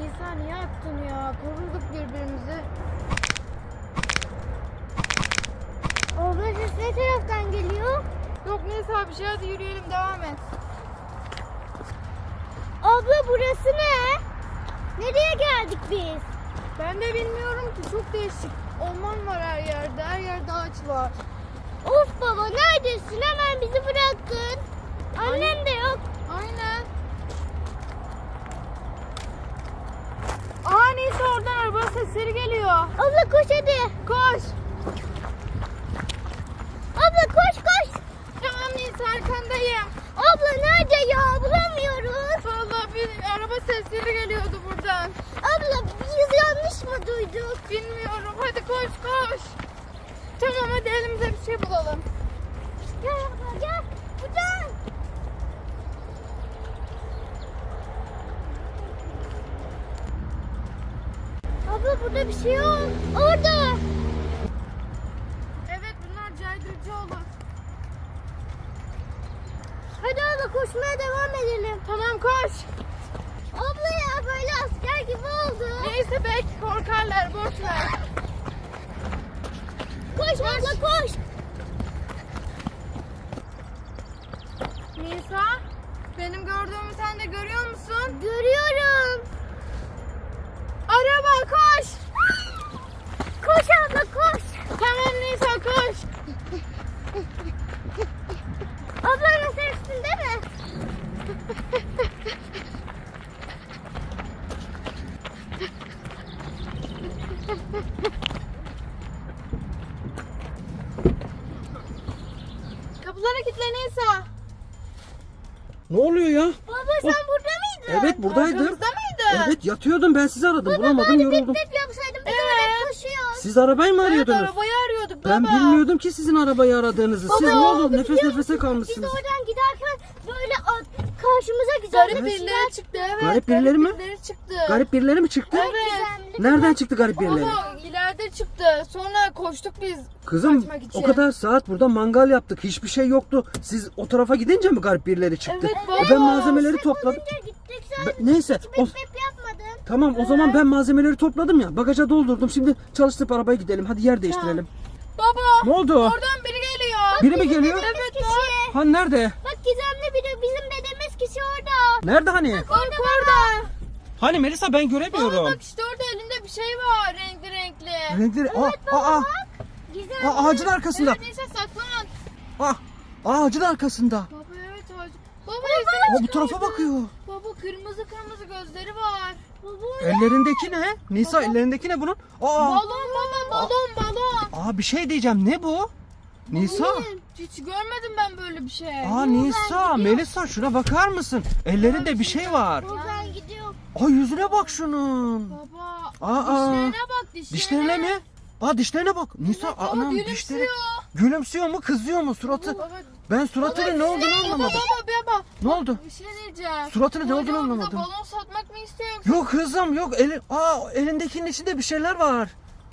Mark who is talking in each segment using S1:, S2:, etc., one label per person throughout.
S1: Nisa niye attın ya? Koruduk birbirimizi.
S2: Abla ses ne taraftan geliyor?
S1: Yok Nisa bir şey, hadi yürüyelim, devam et.
S2: Abla burası ne? Nereye geldik biz?
S1: Ben de bilmiyorum ki, çok değişik. Orman var her yerde, her yerde ağaç var.
S2: Of baba neredesin? Hemen bizi bıraktın. Annem de yok.
S1: Aynen. Aa Nisa, oradan araba sesleri geliyor.
S2: Abla koş hadi.
S1: Koş.
S2: Abla koş koş.
S1: Tamam Nisa, arkandayım.
S2: Abla nerede ya? Bulamıyoruz.
S1: Vallahi bir araba sesleri geliyordu buradan.
S2: Abla biz yanlış mı duyduk?
S1: Bilmiyorum, hadi koş koş. Tamam hadi elimize bir şey bulalım.
S2: Gel abla gel. Buradan. Abla burada bir şey yok. Orada.
S1: Evet, bunlar caydırıcı olur.
S2: Hadi abla koşmaya devam edelim.
S1: Tamam koş.
S2: Abla ya böyle asker gibi oldu.
S1: Neyse belki korkarlar, boş ver.
S2: Koş abla koş.
S1: Nisa, benim gördüğümü sen de görüyor musun?
S2: Görüyorum.
S1: Araba koş.
S2: Koş abla koş.
S1: Tamam Nisa, koş.
S2: Ablanın sen üstünde mi?
S1: Kapılara kilitle Nisa.
S3: Ne oluyor ya?
S2: Baba sen burada mıydın?
S3: Evet buradaydım.
S1: Arkamızda mıydı?
S3: Evet yatıyordum, ben sizi aradım. Bulamadım,
S2: Bari
S3: yoruldum.
S2: bip bip yapsaydın biz
S1: Evet.
S2: oraya koşuyoruz.
S3: Siz arabayı mı
S1: Evet,
S3: arıyordunuz?
S1: arabayı arıyorduk baba.
S3: Ben bilmiyordum ki sizin arabayı aradığınızı. Siz ne oldu? Nefes
S2: Biliyor
S3: nefese
S2: musun? Biz
S3: kalmışsınız.
S2: oradan giderken böyle karşımıza güzel
S1: Garip
S2: bir
S1: birileri çıktı, evet.
S3: Garip birileri mi?
S1: birileri çıktı.
S3: Garip birileri mi çıktı?
S1: Evet.
S3: Nereden çıktı garip birileri?
S1: Baba ileride çıktı. Sonra koştuk biz.
S3: Kızım
S1: kaçmak için.
S3: o kadar saat burada mangal yaptık. Hiçbir şey yoktu. Siz o tarafa gidince mi garip birileri çıktı?
S1: Evet,
S3: E,
S1: baba.
S3: ben malzemeleri topladım.
S2: Önce gittik sen
S3: Neyse.
S2: bip bip yapmadın.
S3: Tamam o zaman ben malzemeleri topladım ya. Bagaja doldurdum. Şimdi çalıştırıp arabaya gidelim. Hadi yer değiştirelim.
S1: Baba.
S3: Ne oldu?
S1: Oradan biri geliyor.
S3: Biri mi geliyor?
S1: Evet
S2: Kişi.
S1: bak.
S3: Ha nerede?
S2: Bak gizemli biri bizim dedemiz kişi orada.
S3: Nerede hani?
S1: Orada.
S3: Hani Melisa ben
S1: Baba
S3: göremiyorum.
S1: bak işte orada elinde bir şey var, renkli renkli.
S3: Renkleri aa,
S2: Gizemli.
S3: ağacın arkasında.
S1: Evet neyse saklan.
S3: Ah, ağacın arkasında.
S1: Baba evet ağacı. Baba yüzüne
S3: O bu tarafa bakıyor.
S1: Baba kırmızı kırmızı gözleri var.
S2: Baba.
S3: Ellerindeki ne? Nisa ellerindeki ne bunun? Aa,
S1: Balon baba, balon.
S3: bir şey diyeceğim. Ne bu? Nisa.
S1: Hiç görmedim ben böyle bir şey.
S3: Aa Nisa, Melisa şuna bakar mısın? Ellerinde bir şey var.
S2: Ben gidiyorum.
S3: Aa yüzüne bak şunun.
S1: Baba
S3: Aa,
S1: dişlerine bak dişlerine.
S3: dişlerine mi? Aa dişlerine bak. Nisa
S1: Baba
S3: anam
S1: gülümsüyor.
S3: dişleri. Gülümsüyor mu? Kızıyor mu suratı?
S1: Baba,
S3: Ben suratının ne olduğunu anlamadım.
S1: Baba.
S3: Ne oldu?
S1: Bir şey diyeceğim.
S3: Suratının ne olduğunu
S1: Acaba bize
S3: anlamadım.
S1: balon satmak mı istiyor yoksa?
S3: Yok kızım yok. Elindekinin içinde bir şeyler var.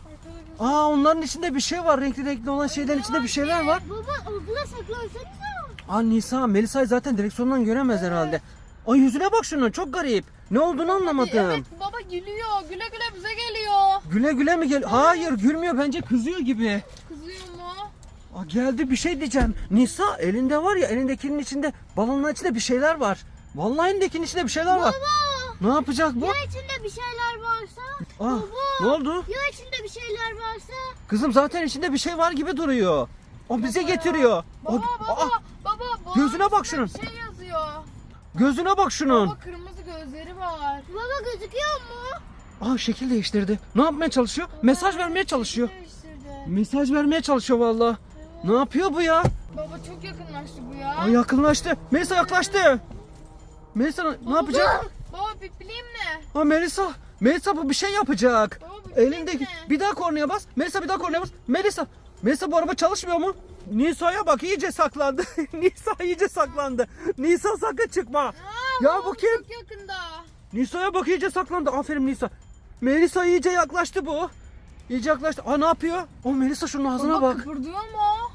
S3: Aa onların içinde bir şey var. Renkli renkli olan şeylerin içinde bir şeyler var.
S2: Baba abla saklansanıza.
S3: Aa Nisa, Melisa'yı zaten direksiyondan göremez herhalde. Ay yüzüne bak şunun, çok garip. Ne olduğunu anlamadım.
S1: Evet baba gülüyor. Güle güle bize geliyor.
S3: Güle güle mi gel? Hayır gülmüyor, bence kızıyor gibi.
S1: Kızıyor mu?
S3: Aa, geldi, bir şey diyeceğim. Nisa elinde var ya, elindekinin içinde, balonun içinde bir şeyler var. Vallahi elindekinin içinde bir şeyler var. Ne yapacak bu?
S2: Ya içinde bir şeyler varsa?
S3: Aa, ne oldu?
S2: Ya içinde bir şeyler varsa?
S3: Kızım zaten içinde bir şey var gibi duruyor. O bize getiriyor.
S1: Baba
S3: Aa,
S1: baba.
S3: gözüne bak şunun.
S1: Bir şey yazıyor.
S3: gözüne bak şunun.
S1: Baba kırmızı gözleri var.
S2: Baba gözüküyor mu?
S3: Aa şekil değiştirdi. Ne yapmaya çalışıyor? Mesaj vermeye çalışıyor.
S1: Değiştirdi.
S3: Mesaj vermeye çalışıyor vallahi. Ne yapıyor bu ya?
S1: Baba çok yakınlaştı bu ya.
S3: Ay yakınlaştı. Melisa yaklaştı. Melisa ne yapacak?
S1: Baba pipliyim ne?
S3: Aa Melisa bu bir şey yapacak.
S1: Baba pipliyim
S3: Elindeki
S1: ne?
S3: bir daha kornaya bas. Melisa bir daha kornaya bas. Melisa bu araba çalışmıyor mu? Nisa'ya bak, iyice saklandı. Nisa iyice saklandı. Nisa sakın çıkma. Ya
S1: Baba,
S3: bu kim?
S1: Çok yakında.
S3: Nisa'ya bak, iyice saklandı. Aferin Nisa. Melisa iyice yaklaştı bu. İyice yaklaştı. Aa ne yapıyor? O Melisa şunun ağzına
S1: Baba
S3: bak.
S1: kıpırdıyor mu?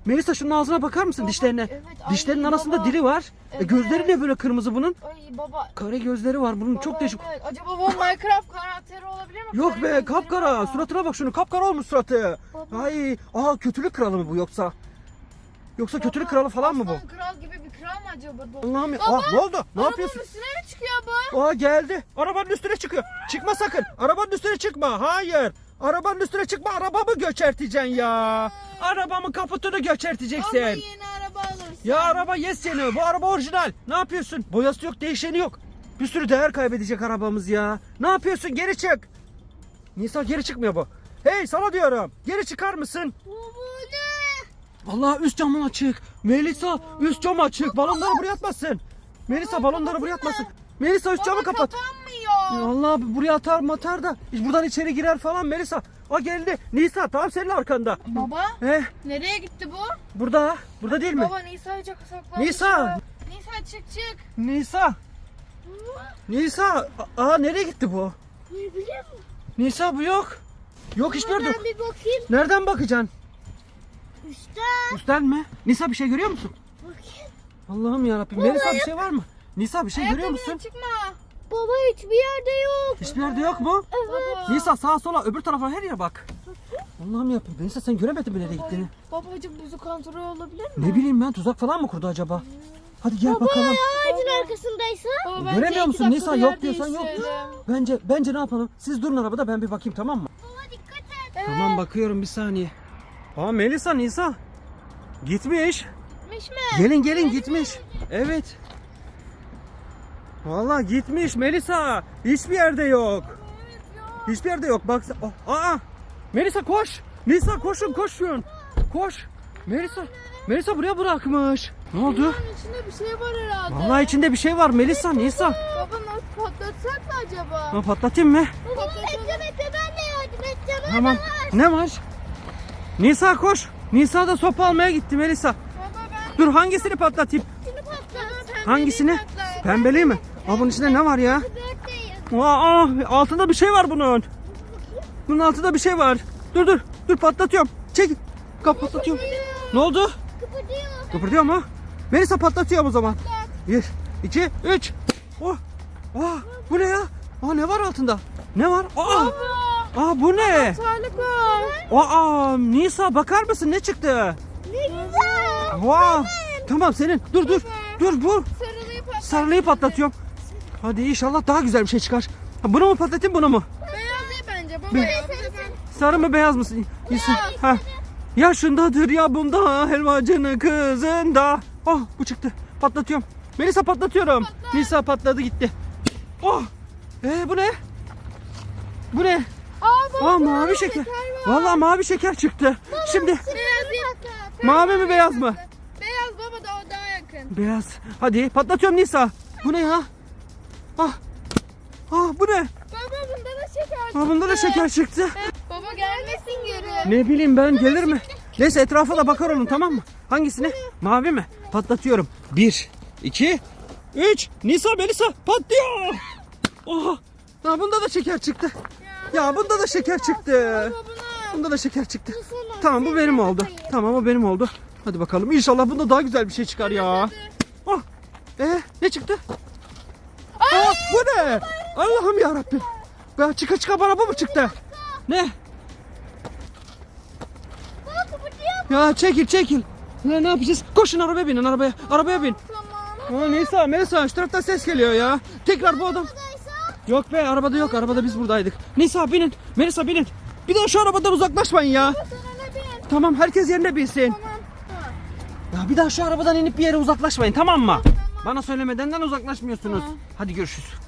S3: Melisa şunun ağzına bakar mısın,
S1: Baba,
S3: dişlerine?
S1: evet, ay,
S3: Dişlerinin arasında
S1: baba.
S3: dili var.
S1: Evet.
S3: Gözleri ne böyle kırmızı bunun?
S1: Ay baba.
S3: Kare gözleri var bunun,
S1: Baba,
S3: çok değişik.
S1: evet. Acaba bu Minecraft karakteri olabilir mi?
S3: Yok
S1: Kare
S3: be,
S1: gözleri
S3: kapkara.
S1: var.
S3: Suratına bak şunu, kapkara olmuş suratı.
S1: Baba.
S3: Ay, kötülük kralı mı bu yoksa? Yoksa kötülük
S1: Baba,
S3: kralı falan mı bu?
S1: aslan kral gibi bir kral mı acaba bu?
S3: Allah'ım ya.
S1: Baba,
S3: Ne oldu? Ne
S1: Arabanın
S3: yapıyorsun?
S1: üstüne mi çıkıyor bu?
S3: Geldi. Arabanın üstüne çıkıyor. Çıkma sakın. Arabanın üstüne çıkma. Hayır. Arabanın üstüne çıkma. Arabamı göçerteceksin ya. Arabamın kaputunu göçerteceksin.
S1: Ama yeni araba alırsın.
S3: Ya araba yes seni. Bu araba orijinal. Ne yapıyorsun? Boyası yok, değişeni yok. Bir sürü değer kaybedecek arabamız ya. Ne yapıyorsun? Geri çık. Nisa, geri çıkmıyor bu. Hey, sana diyorum. Geri çıkar mısın?
S2: Bu ne?
S3: Allah, üst camın açık. Melisa, üst cam açık. Balonları buraya atmasın. Melisa, balonları buraya atmasın. Melisa, üst camı kapat.
S1: Kapanmıyor.
S3: Allah, buraya atar matar da buradan içeri girer falan. Melisa, geldi. Nisa, tam senin arkanda.
S1: Baba
S3: Eh,
S1: nereye gitti bu?
S3: burada değil mi?
S1: Baba Nisa'yı çok saklanmış.
S3: Nisa.
S1: ya. Nisa çık.
S3: Nisa, nereye gitti bu?
S2: Ne bileyim.
S3: Nisa, bu yok. Yok, hiçbir yerde yok.
S2: Ben bir bakayım.
S3: Nereden bakacaksın?
S2: Üstten.
S3: Üstten mi? Nisa, bir şey görüyor musun?
S2: Bakayım.
S3: Allah'ım yarabbim. Melisa, bir şey var mı? Nisa, bir şey görüyor
S1: Ayakkabıyla
S3: musun?
S1: çıkma.
S2: Baba hiçbir yerde yok.
S3: Hiçbir yerde yok mu?
S2: Evet.
S3: Nisa, sağa sola, öbür tarafa, her yere bak. Allah'ım yarabbim. Nisa, sen göremedin mi nereye gittiğini?
S1: Babacım bizi kontrol olabilir mi?
S3: Ne bileyim ben, tuzak falan mı kurdu acaba? Hadi gel bakalım.
S2: Ağacın arkasındaysa.
S1: Baba,
S3: Göremiyor
S1: bence
S3: musun?
S1: iki
S3: Nisa,
S1: dakikada
S3: yok
S1: yer
S3: diyorsan yok.
S1: değiştirelim.
S3: Bence ne yapalım? Siz durun arabada, ben bir bakayım, tamam mı?
S2: Baba dikkat et.
S1: Evet.
S3: Tamam, bakıyorum, bir saniye. Melisa, Nisa. Gitmiş.
S1: Gitmiş mi?
S3: Gelin gitmiş. Evet. Vallahi gitmiş Melisa. Hiçbir yerde yok. Hiçbir yerde yok. Bak. Melisa, koş. Nisa, koşun. Koş. Melisa buraya bırakmış. Ne oldu?
S1: Bunun içinde bir şey var herhalde.
S3: Vallahi içinde bir şey var Melisa, Nisa.
S1: Baba nasıl patlatsak mı acaba?
S3: Patlatayım mı?
S2: Baba bekle ben de yardım edeceğim.
S3: Tamam. Ne var? Nisa, koş. Nisa da sopa almaya gitti Melisa.
S1: Baba ben
S3: Dur, hangisini patlatayım?
S2: Şunu patlat.
S3: Hangisini? Pembeli mi? Bunun içinde ne var ya?
S2: Dörtteyim.
S3: Altında bir şey var bunun. Bunun altında bir şey var. Dur patlatıyorum. Çek. Patlatıyorum. Ne oldu?
S2: Kıpırdıyor.
S3: Kıpırdıyor mu? Melisa, patlatıyorum o zaman. 1, 2, 3. Bu ne ya? Ne var altında? Ne var? Bu ne?
S1: Tarlık var.
S3: Nisa, bakar mısın, ne çıktı?
S2: Ne güzel.
S3: Tamam, senin. Dur. Bu.
S1: Sarılıyı patlat.
S3: Sarılıyı patlatıyorum. Hadi inşallah daha güzel bir şey çıkar. Bunu mu patlatayım, bunu mu?
S1: Beyaz değil bence baba ya.
S3: Sarı mı, beyaz mı? Ha. Yaşındadır ya bunda, helvacının kızında. Bu çıktı. Patlatıyorum. Melisa, patlatıyorum. Nisa, patladı gitti. Bu ne? Bu ne?
S1: Baba
S3: Mavi şeker. Vallahi mavi şeker çıktı. Şimdi
S1: beyaz değil.
S3: mavi mi, beyaz mı?
S1: Beyaz baba da o daha yakın.
S3: Beyaz. Hadi patlatıyorum Nisa. Bu ne ya? Bu ne?
S1: Baba bunda da şeker çıktı.
S3: Bunda da şeker çıktı.
S1: Baba gelmesin geri.
S3: Ne bileyim ben, gelir mi? Neyse, etrafa da bakar olun, tamam mı? Hangisini? Mavi mi? Patlatıyorum. 1, 2, 3. Nisa, Melisa, patlıyor. Bunda da şeker çıktı. Ya bunda da şeker çıktı. Bunda da şeker çıktı. Tamam, bu benim oldu. Tamam, o benim oldu. Hadi bakalım, İnşallah bunda daha güzel bir şey çıkar ya. Ne çıktı? Bu ne? Allah'ım yarabbim. Ya çıka bana bu mu çıktı? Ne?
S2: Baba kıpırdıyor.
S3: Ya çekil. Ne yapacağız? Koşun, arabaya binin, arabaya bin.
S1: Tamam.
S3: Nisa, Melisa, şu taraftan ses geliyor ya. Tekrar bu adam. Yok be, arabada yok, arabada biz buradaydık. Nisa, binin, Melisa, binin. Bir daha şu arabadan uzaklaşmayın ya.
S1: Sana ne bin?
S3: Tamam, herkes yerine binsin.
S1: Tamam.
S3: Ya bir daha şu arabadan inip bir yere uzaklaşmayın, tamam mı? Bana söylemedenden uzaklaşmıyorsunuz. Hadi görüşürüz.